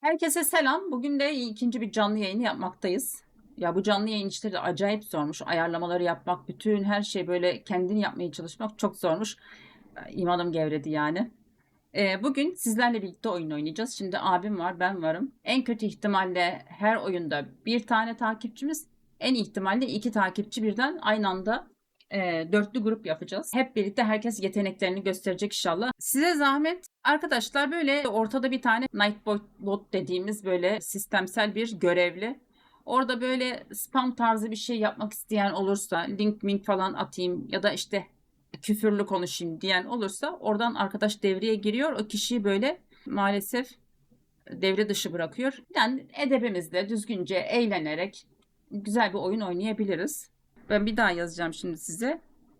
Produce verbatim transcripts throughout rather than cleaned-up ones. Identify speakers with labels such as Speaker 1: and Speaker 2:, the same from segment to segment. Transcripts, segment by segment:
Speaker 1: Herkese selam. Bugün de ikinci bir canlı yayını yapmaktayız. Ya bu canlı yayın işleri acayip zormuş. Ayarlamaları yapmak, bütün her şey böyle kendin yapmaya çalışmak çok zormuş. İmanım gevredi yani. Ee, bugün sizlerle birlikte oyun oynayacağız. Şimdi abim var, ben varım. En kötü ihtimalle her oyunda bir tane takipçimiz, en ihtimalle iki takipçi birden aynı anda e, dörtlü grup yapacağız. Hep birlikte herkes yeteneklerini gösterecek inşallah. Size zahmet arkadaşlar, böyle ortada bir tane Nightbot dediğimiz böyle sistemsel bir görevli. Orada böyle spam tarzı bir şey yapmak isteyen olursa link mink falan atayım ya da işte küfürlü konuşayım diyen olursa oradan arkadaş devreye giriyor. O kişiyi böyle maalesef devre dışı bırakıyor. Yani edebimizle düzgünce eğlenerek güzel bir oyun oynayabiliriz. Ben bir daha yazacağım şimdi size.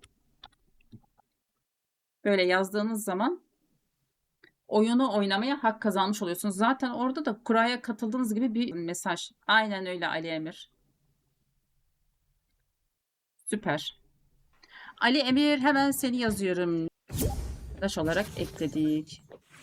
Speaker 1: Böyle yazdığınız zaman oyunu oynamaya hak kazanmış oluyorsunuz. Zaten orada da kuraya katıldığınız gibi bir mesaj. Aynen öyle Ali Emir. Süper. Ali Emir, hemen seni yazıyorum. Arkadaş olarak ekledik.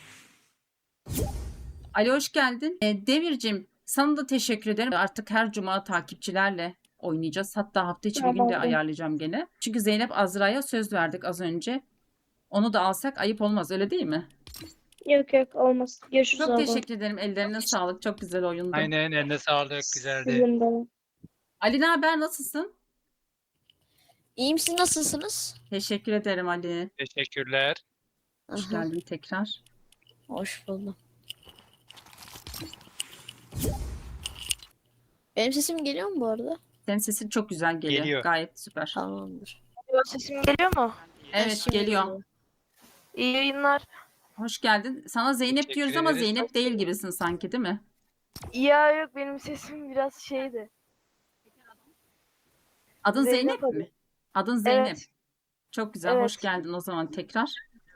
Speaker 1: Ali hoş geldin. E, Demircim, sana da teşekkür ederim. Artık her cuma takipçilerle oynayacağız. Hatta hafta içi bir gün de
Speaker 2: Tamamdır.
Speaker 1: ayarlayacağım gene. Çünkü Zeynep Azra'ya söz verdik az önce. Onu da alsak ayıp olmaz, öyle değil mi?
Speaker 2: Yok yok olmaz. Görüşürüz
Speaker 1: Çok
Speaker 2: abla.
Speaker 1: teşekkür ederim. Ellerine sağlık. Çok güzel oyundu.
Speaker 3: Aynen, eline sağlık, güzeldi.
Speaker 2: Sizin de.
Speaker 1: Ali ne haber? Nasılsın?
Speaker 4: İyiyim, siz nasılsınız?
Speaker 1: Teşekkür ederim Ali.
Speaker 3: Teşekkürler.
Speaker 1: Hoş
Speaker 4: Aha,
Speaker 1: geldin tekrar.
Speaker 4: hoş buldum. Benim sesim geliyor mu bu arada?
Speaker 1: Senin sesin çok güzel geliyor.
Speaker 3: Geliyor.
Speaker 1: Gayet süper.
Speaker 4: Tamamdır.
Speaker 5: Sesim geliyor mu?
Speaker 1: Evet,
Speaker 4: Şimdi
Speaker 1: geliyor.
Speaker 5: İyi yayınlar.
Speaker 1: Hoş geldin. Sana Zeynep
Speaker 3: Teşekkür
Speaker 1: diyoruz ama
Speaker 3: ederiz.
Speaker 1: Zeynep değil gibisin sanki, değil mi?
Speaker 5: Ya yok benim sesim biraz şeydi.
Speaker 1: Adın
Speaker 5: Zeynep
Speaker 1: Zeynep
Speaker 5: adı.
Speaker 1: mi? Adın Zeynep.
Speaker 5: Evet.
Speaker 1: Çok güzel.
Speaker 5: Evet.
Speaker 1: Hoş geldin o zaman tekrar.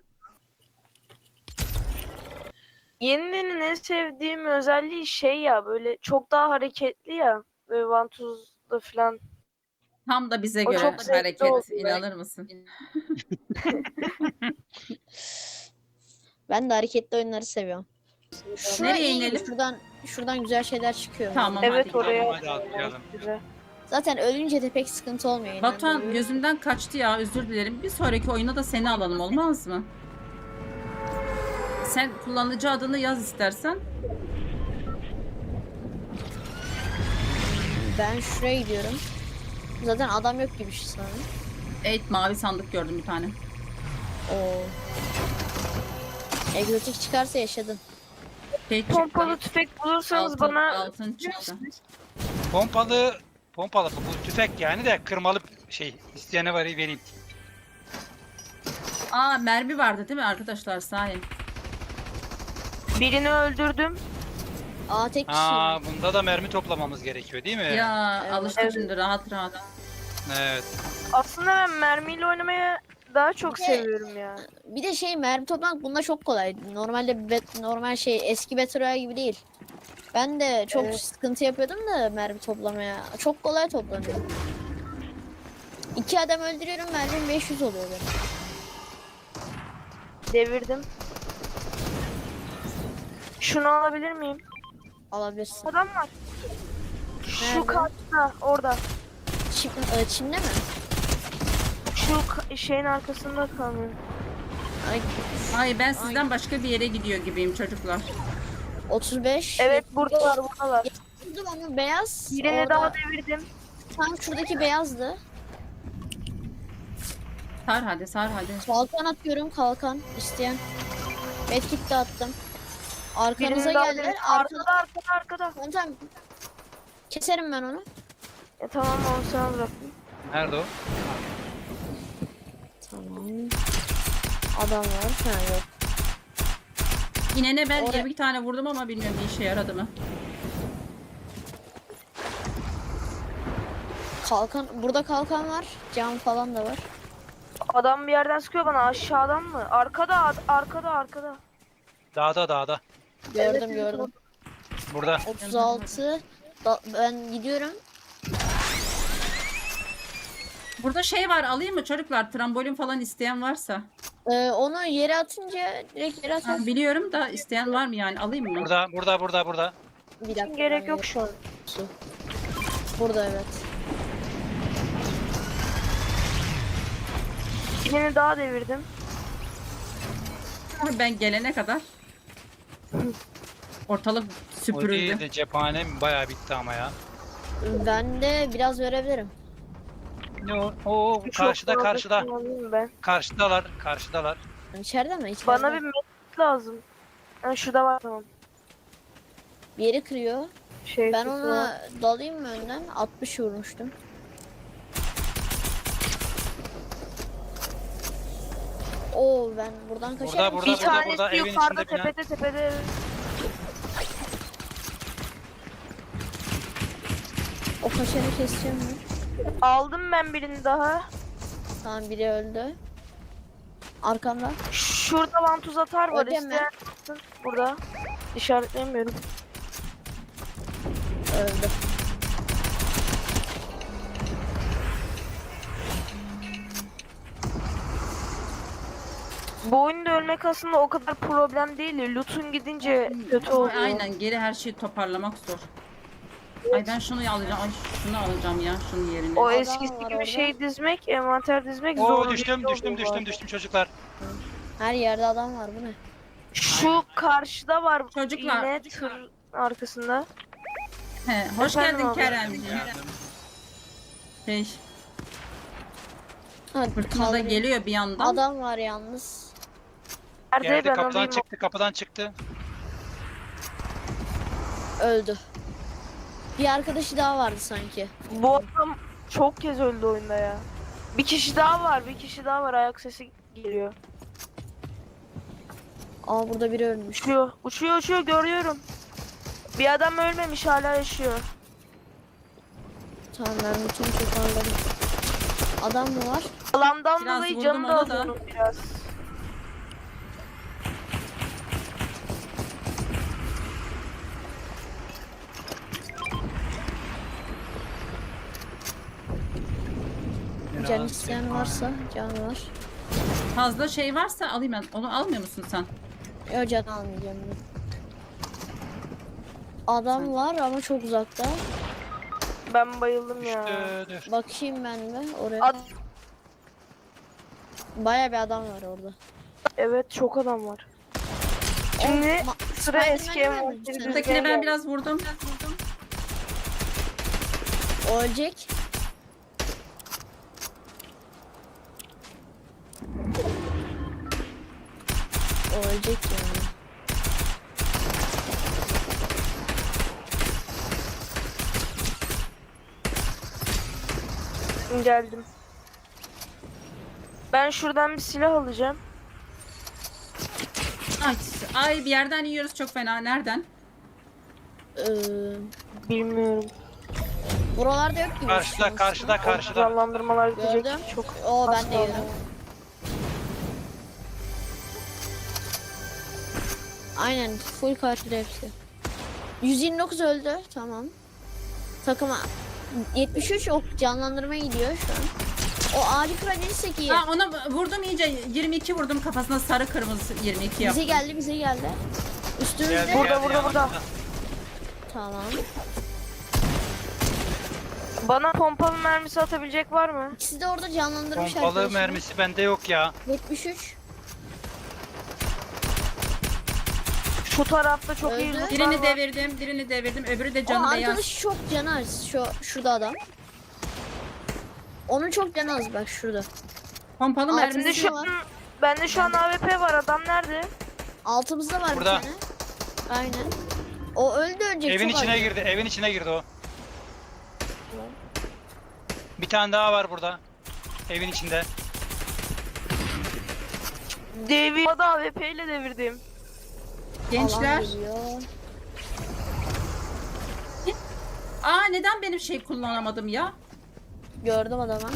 Speaker 5: Yenilerin en sevdiğim özelliği şey ya, böyle çok daha hareketli ya. Böyle vantuzda falan.
Speaker 1: Tam da bize
Speaker 5: O
Speaker 1: göre
Speaker 5: çok zevkli
Speaker 1: hareket.
Speaker 5: oldu.
Speaker 1: İnanır mısın?
Speaker 4: Ben de hareketli oyunları seviyorum. Şuraya
Speaker 1: Nereye
Speaker 4: iyi,
Speaker 1: inelim?
Speaker 4: Şuradan, şuradan güzel şeyler çıkıyor.
Speaker 1: Tamam,
Speaker 5: Evet
Speaker 1: hadi.
Speaker 5: oraya.
Speaker 3: Hadi atlayalım.
Speaker 5: Güzel.
Speaker 4: Zaten ölünce de pek sıkıntı olmuyor. inan
Speaker 1: Batuhan
Speaker 4: böyle.
Speaker 1: gözümden kaçtı ya, özür dilerim. Bir sonraki oyuna da seni alalım, olmaz mı? Sen kullanıcı adını yaz istersen.
Speaker 4: Ben şuraya gidiyorum. Zaten adam yok gibi şu sanırım.
Speaker 1: Evet, mavi sandık gördüm bir tane.
Speaker 4: Oo. Egzotik çıkarsa yaşadın.
Speaker 1: Şey çıktı.
Speaker 5: Pompalı tüfek bulursanız
Speaker 1: Altın,
Speaker 5: bana
Speaker 1: altın çıktı.
Speaker 3: Pompalı, pompalı bu tüfek yani de kırmalı şey isteyene var vereyim.
Speaker 1: Aa, mermi vardı değil mi arkadaşlar, sahi?
Speaker 5: birini öldürdüm.
Speaker 4: Aa tek kişi.
Speaker 3: Aa, bunda da mermi toplamamız gerekiyor değil mi?
Speaker 1: Ya
Speaker 4: Evet.
Speaker 1: alıştık
Speaker 5: Evet.
Speaker 1: şimdi rahat rahat.
Speaker 3: Evet.
Speaker 5: Aslında ben mermiyle oynamaya daha çok
Speaker 4: Bir de-
Speaker 5: seviyorum ya.
Speaker 4: Bir de şey, mermi toplamak bunda çok kolay. Normalde bet, normal şey eski Battle Royale gibi değil. Ben de çok
Speaker 5: Evet.
Speaker 4: sıkıntı yapıyordum da mermi toplamaya. Çok kolay toplanıyor. İki adam öldürüyorum, mermim beş yüz oluyor benim.
Speaker 5: Devirdim. Şunu alabilir miyim?
Speaker 4: Alabilirsin.
Speaker 5: Adam var. Şu
Speaker 4: Nerede?
Speaker 5: karşıda, orada.
Speaker 4: Çim, e, çimde mi?
Speaker 5: Şu ka- şeyin arkasında kalıyor.
Speaker 4: Ay,
Speaker 1: Ay, ben sizden başka bir yere gidiyor gibiyim çocuklar.
Speaker 4: otuz beş.
Speaker 5: Evet buradalar buradalar.
Speaker 4: Vurdum onu, beyaz.
Speaker 5: Birini
Speaker 4: Orada,
Speaker 5: daha devirdim.
Speaker 4: tam şuradaki beyazdı.
Speaker 1: Sar hadi, sar hadi.
Speaker 4: Kalkan atıyorum, kalkan isteyen. Medkit de attım. Arkanıza
Speaker 5: Birini daha
Speaker 4: geldiler.
Speaker 5: devirdim.
Speaker 4: Arkada.
Speaker 5: Arkada arkada arkada.
Speaker 4: Tamam, tamam. Keserim ben onu.
Speaker 5: Ya tamam onu sana bıraktım.
Speaker 3: Nerede o?
Speaker 4: Tamam. Adam var. Ha yok.
Speaker 1: İnene ben
Speaker 4: Oraya-
Speaker 1: bir tane vurdum ama bilmiyorum bir işe yaradı mı.
Speaker 4: Kalkan, burada kalkan var. Cam falan da var.
Speaker 5: Adam bir yerden sıkıyor bana, aşağıdan mı? Arkada ad- arkada arkada.
Speaker 3: Dağda dağda.
Speaker 4: Gördüm
Speaker 5: Evet,
Speaker 4: gördüm.
Speaker 3: Burada.
Speaker 4: otuz altı. Da- ben gidiyorum.
Speaker 1: Burada şey var, alayım mı çocuklar? Trambolin falan isteyen varsa.
Speaker 4: Ee, onu yere atınca direkt yere
Speaker 1: Ha,
Speaker 4: atarsın.
Speaker 1: biliyorum da isteyen var mı yani alayım mı?
Speaker 3: Burada burada burada burada.
Speaker 4: Bir dakika.
Speaker 5: Gerek
Speaker 4: ben
Speaker 5: yok şu an.
Speaker 4: yere- Burada evet.
Speaker 5: Birini daha devirdim.
Speaker 1: Ben gelene kadar ortalık
Speaker 3: O
Speaker 1: süpürüldü.
Speaker 3: değil de cephanem bayağı bitti ama ya.
Speaker 4: Ben de biraz verebilirim.
Speaker 3: Ne o? Oo,
Speaker 5: Çok
Speaker 3: karşıda
Speaker 5: fazla
Speaker 3: karşıda.
Speaker 5: kullanayım ben.
Speaker 3: Karşıdalar karşıdalar.
Speaker 4: İçeride mi? İçeride.
Speaker 5: Bana bir medkit lazım. Ha, şurada var tamam.
Speaker 4: Bir yeri kırıyor.
Speaker 5: Şey,
Speaker 4: Ben
Speaker 5: kutusu var.
Speaker 4: ona dalayım mı önden? altmış vurmuştum. Oo ben buradan
Speaker 3: Burada,
Speaker 4: kaçarım.
Speaker 3: burada,
Speaker 5: Bir
Speaker 3: burada,
Speaker 5: tanesi
Speaker 3: burada, evin
Speaker 5: yukarıda
Speaker 3: içinde bina.
Speaker 5: tepede tepede.
Speaker 4: O kaçanı keseceğim mi?
Speaker 5: Aldım ben birini daha.
Speaker 4: Tamam biri öldü. Arkamda.
Speaker 5: Şurada vantuz atar var
Speaker 4: Ödeme.
Speaker 5: isteyen atsın. Burada. İşaretleyemiyorum.
Speaker 4: Öldü.
Speaker 5: Bu oyunda ölmek aslında o kadar problem değil. Loot'un gidince kötü
Speaker 1: Ama
Speaker 5: oluyor.
Speaker 1: aynen geri her şeyi toparlamak zor. Ay ben şunu alacağım. Ay şunu alacağım ya şunun yerine.
Speaker 5: O
Speaker 4: Adam
Speaker 5: eskisi
Speaker 4: var
Speaker 5: gibi
Speaker 4: orada.
Speaker 5: şey dizmek, envanter dizmek
Speaker 3: Oo
Speaker 5: zor.
Speaker 3: düştüm
Speaker 5: değil
Speaker 3: düştüm
Speaker 5: oluyor bu
Speaker 3: düştüm
Speaker 5: arada.
Speaker 3: düştüm çocuklar.
Speaker 4: Her yerde adam var bu ne?
Speaker 5: Şu karşıda var.
Speaker 1: Çocuklar.
Speaker 5: Yine tır arkasında.
Speaker 1: He, hoş
Speaker 5: Efendim
Speaker 1: geldin
Speaker 5: abi.
Speaker 1: Keremciğim. Şey,
Speaker 4: Ha,
Speaker 1: fırtına da
Speaker 4: kaldırayım.
Speaker 1: geliyor bir yandan.
Speaker 4: Adam var yalnız.
Speaker 5: Nerede
Speaker 3: Geldi
Speaker 5: ben
Speaker 3: kapıdan
Speaker 5: alayım.
Speaker 3: çıktı kapıdan çıktı.
Speaker 4: Öldü. Bir arkadaşı daha vardı sanki.
Speaker 5: Bu adam çok kez öldü oyunda ya. Bir kişi daha var, bir kişi daha var. Ayak sesi geliyor.
Speaker 4: Aa burada biri ölmüş.
Speaker 5: Uçuyor, uçuyor, uçuyor görüyorum. Bir adam ölmemiş hala yaşıyor.
Speaker 4: Tamam ben bütün toparladım. Adam mı var?
Speaker 5: Alandan
Speaker 1: Biraz
Speaker 5: dolayı
Speaker 1: vurdum
Speaker 5: canı da
Speaker 1: ona
Speaker 5: az
Speaker 1: da.
Speaker 5: onun biraz.
Speaker 4: Can isteyen varsa can var.
Speaker 1: Fazla şey varsa alayım ben. Onu almıyor musun sen?
Speaker 4: Yok can almayacağım ben. Adam var ama çok uzakta.
Speaker 5: Ben bayıldım ya.
Speaker 3: Düştü, düştü.
Speaker 4: Bakayım ben de oraya.
Speaker 5: Ad-
Speaker 4: Baya bir adam var orada.
Speaker 5: evet çok adam var. Şimdi
Speaker 4: Ma-
Speaker 5: sıra eski
Speaker 4: Spiderman'i mi
Speaker 5: envanteri
Speaker 4: öldürdün sen?
Speaker 5: düzmeye
Speaker 1: Buradakine ben
Speaker 5: geldi.
Speaker 1: biraz vurdum.
Speaker 4: O ölecek. O ölecek yani.
Speaker 5: Geldim. Ben şuradan bir silah alacağım.
Speaker 1: Ay, ay bir yerden yiyoruz çok fena. Nereden?
Speaker 4: Ee,
Speaker 5: Bilmiyorum.
Speaker 4: buralarda yok gibi.
Speaker 3: Karşıda
Speaker 4: şans.
Speaker 3: karşıda karşıda.
Speaker 5: Canlandırmalar bitecek.
Speaker 4: Gördüm.
Speaker 5: Çok
Speaker 4: Oo ben
Speaker 5: az
Speaker 4: de
Speaker 5: kaldı.
Speaker 4: yiyorum. Aynen full karşıda hepsi. yüz yirmi dokuz öldü. Tamam. Takıma yetmiş üç ok canlandırmaya gidiyor şu an. O ağacı kırabilirsek iyi.
Speaker 1: Ha, ona vurdum iyice. yirmi iki vurdum kafasına sarı kırmızı yirmi iki yaptım.
Speaker 4: Bize geldi bize geldi. Üstümüzde.
Speaker 3: Geldi,
Speaker 5: Burada,
Speaker 3: geldi,
Speaker 5: burada, burada.
Speaker 3: yanımızda.
Speaker 4: Tamam.
Speaker 5: Bana pompalı mermisi atabilecek var mı?
Speaker 4: İkisi de orada canlandırmış
Speaker 3: Pompalı
Speaker 4: arkadaşını.
Speaker 3: mermisi bende yok ya.
Speaker 4: yetmiş üç.
Speaker 5: Şu tarafta çok iyi
Speaker 4: Öldü.
Speaker 5: lootlar
Speaker 1: Birini
Speaker 5: var.
Speaker 1: devirdim, birini devirdim. Öbürü de
Speaker 4: O
Speaker 1: canı beyaz.
Speaker 4: arkadaş çok canı az. Şu, şurada adam. Onun çok canı az bak şurada.
Speaker 1: Pompalı
Speaker 4: Altında
Speaker 5: Bende
Speaker 1: mermisi.
Speaker 5: şu
Speaker 4: var.
Speaker 5: an, bende şu an A W P var. Adam nerede?
Speaker 4: Altımızda var
Speaker 3: Burada.
Speaker 4: bir tane. Aynen. O öldü ölecek
Speaker 3: Evin
Speaker 4: çok
Speaker 3: içine
Speaker 4: az.
Speaker 3: girdi, evin içine girdi o. Bir tane daha var burada. Evin içinde.
Speaker 5: Devir. O da A W P ile devirdim.
Speaker 1: Gençler.
Speaker 4: Alan geliyor.
Speaker 1: Aa neden benim şey kullanamadım ya?
Speaker 4: Gördüm adamı.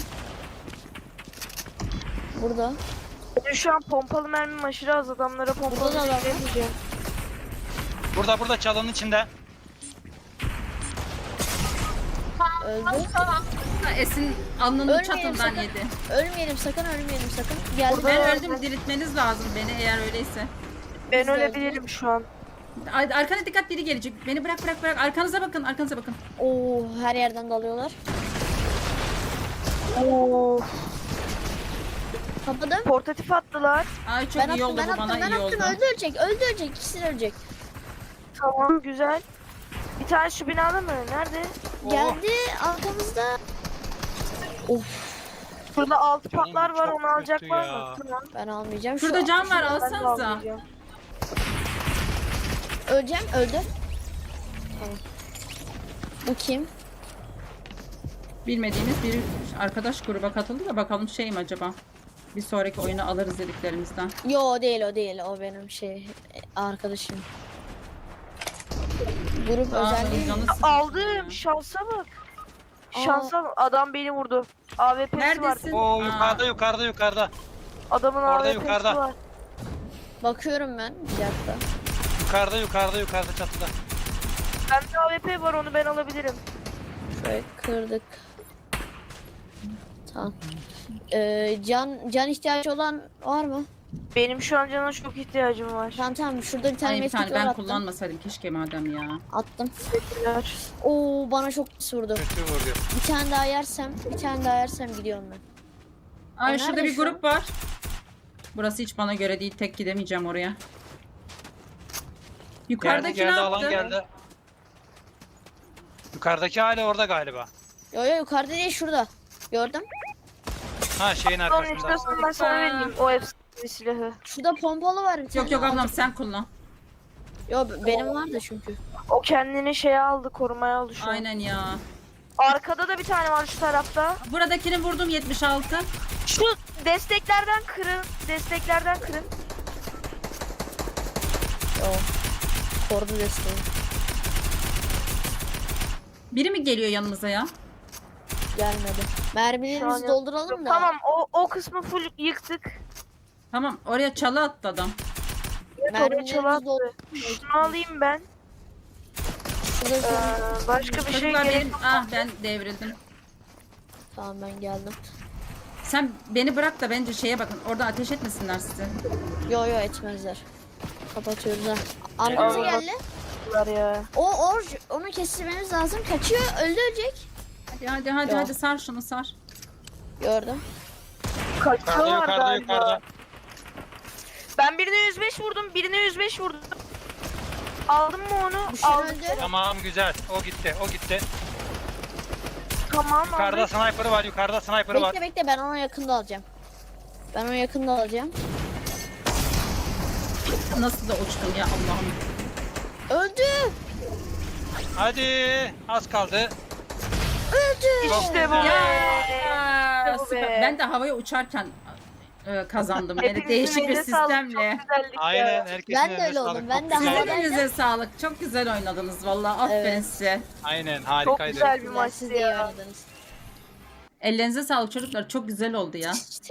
Speaker 4: Burada.
Speaker 5: Benim şu an pompalı mermim aşırı az. Adamlara pompalı
Speaker 4: Burada da adam var.
Speaker 5: veremeyeceğim.
Speaker 3: Burada burada çalının içinde.
Speaker 4: Öldü.
Speaker 1: Esin alnının
Speaker 4: Ölmeyelim
Speaker 1: çatından
Speaker 4: sakın.
Speaker 1: yedi.
Speaker 4: Ölmeyelim sakın ölmeyelim sakın. Geldi.
Speaker 1: Ben öldüm, diriltmeniz lazım beni eğer öyleyse.
Speaker 5: Ben
Speaker 4: Biz de
Speaker 5: ölebilirim şu an.
Speaker 1: Ar- Arkana dikkat, biri gelecek. Beni bırak bırak bırak. Arkanıza bakın, arkanıza bakın.
Speaker 4: Oo her yerden dalıyorlar.
Speaker 5: Oo.
Speaker 4: Kapadım.
Speaker 1: Portatif attılar. Ay çok
Speaker 4: Ben
Speaker 1: iyi
Speaker 4: attım
Speaker 1: oldu
Speaker 4: ben
Speaker 1: bu,
Speaker 4: attım
Speaker 1: bana
Speaker 4: ben
Speaker 1: iyi
Speaker 4: attım.
Speaker 1: oldu.
Speaker 4: Öldü ölecek öldü ölecek. İkisi de ölecek.
Speaker 5: Tamam güzel. Bir tane şu binada mı? Nerede? Oo.
Speaker 4: Geldi arkamızda. Of
Speaker 5: Şurada altı
Speaker 3: Canım
Speaker 5: patlar var,
Speaker 3: çok
Speaker 5: onu alacak
Speaker 3: kötü
Speaker 5: var
Speaker 3: ya.
Speaker 5: mı? Tamam.
Speaker 4: ben almayacağım.
Speaker 1: Şurada
Speaker 4: Şu
Speaker 1: cam var,
Speaker 5: Ben de
Speaker 1: alsanıza.
Speaker 5: almayacağım.
Speaker 4: Öleceğim öldü. Tamam. Bu kim?
Speaker 1: Bilmediğimiz bir arkadaş gruba katıldı da bakalım şey mi acaba? Bir sonraki oyunu alırız dediklerimizden.
Speaker 4: Yo o değil o değil o benim şey arkadaşım. Grup
Speaker 1: Aa,
Speaker 4: özelliği.
Speaker 1: canı sıkıldı
Speaker 5: Aldım.
Speaker 1: ya.
Speaker 5: Şansa bak.
Speaker 4: Aa.
Speaker 5: Şansa bak. Adam beni vurdu. A W P'si var.
Speaker 1: Neredesin?
Speaker 3: Oo
Speaker 1: Aa.
Speaker 3: yukarıda yukarıda yukarıda.
Speaker 5: Adamın
Speaker 3: Orada
Speaker 5: A W P'si
Speaker 3: yukarıda.
Speaker 5: var.
Speaker 4: Bakıyorum ben bir dakika.
Speaker 3: Yukarıda yukarıda yukarıda çatıda.
Speaker 5: Bende A W P var, onu ben alabilirim.
Speaker 4: Şöyle kırdık. Tamam. Ee, can can ihtiyacı olan var mı?
Speaker 5: Benim şu an cana çok ihtiyacım var.
Speaker 4: Tamam tamam şurada bir tane
Speaker 1: Ay, bir
Speaker 4: medkit
Speaker 1: tane
Speaker 4: var
Speaker 1: ben
Speaker 4: attım.
Speaker 1: kullanmasaydım keşke madem ya.
Speaker 4: Attım.
Speaker 5: Teşekkürler.
Speaker 4: Oo bana çok pis vurdu.
Speaker 3: Kötü vuruyor.
Speaker 4: Bir tane daha yersem, bir tane daha yersem gidiyorum ben.
Speaker 1: Ay
Speaker 4: O
Speaker 1: şurada
Speaker 4: nerede
Speaker 1: bir
Speaker 4: şu an?
Speaker 1: grup var. Burası hiç bana göre değil. Tek gidemeyeceğim oraya.
Speaker 3: Geldi
Speaker 1: Yukarıdaki
Speaker 3: geldi
Speaker 1: ne
Speaker 3: alan
Speaker 1: yaptı?
Speaker 3: geldi. Yukarıdaki hala orada galiba.
Speaker 4: Yo yo yukarıda değil şurada. Gördüm.
Speaker 3: Ha şeyin
Speaker 5: Sonra
Speaker 3: arkasında.
Speaker 5: istiyorsan ben sana vereyim o efsane silahı.
Speaker 4: Şurada pompalı var bir tane.
Speaker 1: Yok yok ablam sen kullan.
Speaker 4: Yo b- benim vardı çünkü.
Speaker 5: O kendini şeye aldı, korumaya aldı şu an.
Speaker 1: Aynen ya.
Speaker 5: Arkada da bir tane var şu tarafta.
Speaker 1: Buradakini vurdum yetmiş altı.
Speaker 5: Şu desteklerden kırın. Desteklerden kırın.
Speaker 4: Yo. Korudu desteği.
Speaker 1: Biri mi geliyor yanımıza ya?
Speaker 4: Gelmedi.
Speaker 5: Şu an
Speaker 4: Mermilerimizi
Speaker 5: yok.
Speaker 4: dolduralım da.
Speaker 5: Tamam o, o kısmı full yıktık.
Speaker 1: Tamam oraya çalı attı adam.
Speaker 5: Evet, oraya
Speaker 4: Mermilerimizi
Speaker 5: çalı
Speaker 4: doldur.
Speaker 5: attı. Şunu alayım ben.
Speaker 4: Şurada
Speaker 5: Ee,
Speaker 4: sen-
Speaker 5: başka bir şey
Speaker 1: Çocuklar
Speaker 5: gerek
Speaker 1: benim... Ah ben devrildim.
Speaker 4: Tamam ben geldim.
Speaker 1: Sen beni bırak da bence şeye bakın. Orada ateş etmesinler sizi.
Speaker 4: Yo yo etmezler. Kapatıyoruz ha. Arkamıza
Speaker 5: Allah.
Speaker 4: geldi.
Speaker 5: var ya.
Speaker 4: O or onu kestirmemiz lazım. Kaçıyor. Öldü ölecek.
Speaker 1: Hadi hadi hadi
Speaker 4: Yok.
Speaker 1: hadi sar şunu sar.
Speaker 4: Gördüm.
Speaker 3: Yukarıda
Speaker 5: Kaçıyorlar
Speaker 3: yukarıda
Speaker 5: galiba.
Speaker 3: yukarıda.
Speaker 5: Ben birine yüz beş vurdum, birine yüz beş vurdum. Aldım mı onu?
Speaker 4: Düşen
Speaker 5: Aldım.
Speaker 4: öldü.
Speaker 3: Tamam güzel. O gitti o gitti.
Speaker 5: Tamam
Speaker 3: Yukarıda
Speaker 5: aldım.
Speaker 3: sniper'ı var yukarıda sniper'ı var.
Speaker 4: Bekle bekle ben onu yakında alacağım. Ben onu yakında alacağım.
Speaker 1: Nasıl da uçtum ya Allah'ım.
Speaker 4: Öldü.
Speaker 3: Hadi az kaldı.
Speaker 4: Öldü.
Speaker 5: İşte bu
Speaker 1: Ya,
Speaker 5: be.
Speaker 1: ya,
Speaker 5: bu
Speaker 1: süper.
Speaker 5: be.
Speaker 1: Ben de havaya uçarken e, kazandım. Yani
Speaker 5: Hepinizin
Speaker 1: değişik bir
Speaker 5: eline sağlık,
Speaker 1: sistemle.
Speaker 5: çok güzellik ya.
Speaker 3: Aynen herkesin
Speaker 4: Ben de
Speaker 3: eline
Speaker 4: öyle oldum,
Speaker 3: sağlık.
Speaker 4: ben
Speaker 3: Çok
Speaker 4: de
Speaker 3: güzel.
Speaker 4: havada-
Speaker 1: Hepinize sağlık. Çok güzel oynadınız vallahi. Aferin
Speaker 4: Evet.
Speaker 1: size.
Speaker 3: Aynen
Speaker 5: Çok
Speaker 3: harikaydı.
Speaker 5: güzel bir
Speaker 4: Siz
Speaker 5: maçtı
Speaker 4: de iyi
Speaker 5: ya.
Speaker 4: oynadınız.
Speaker 1: Ellerinize sağlık çocuklar. Çok güzel oldu ya.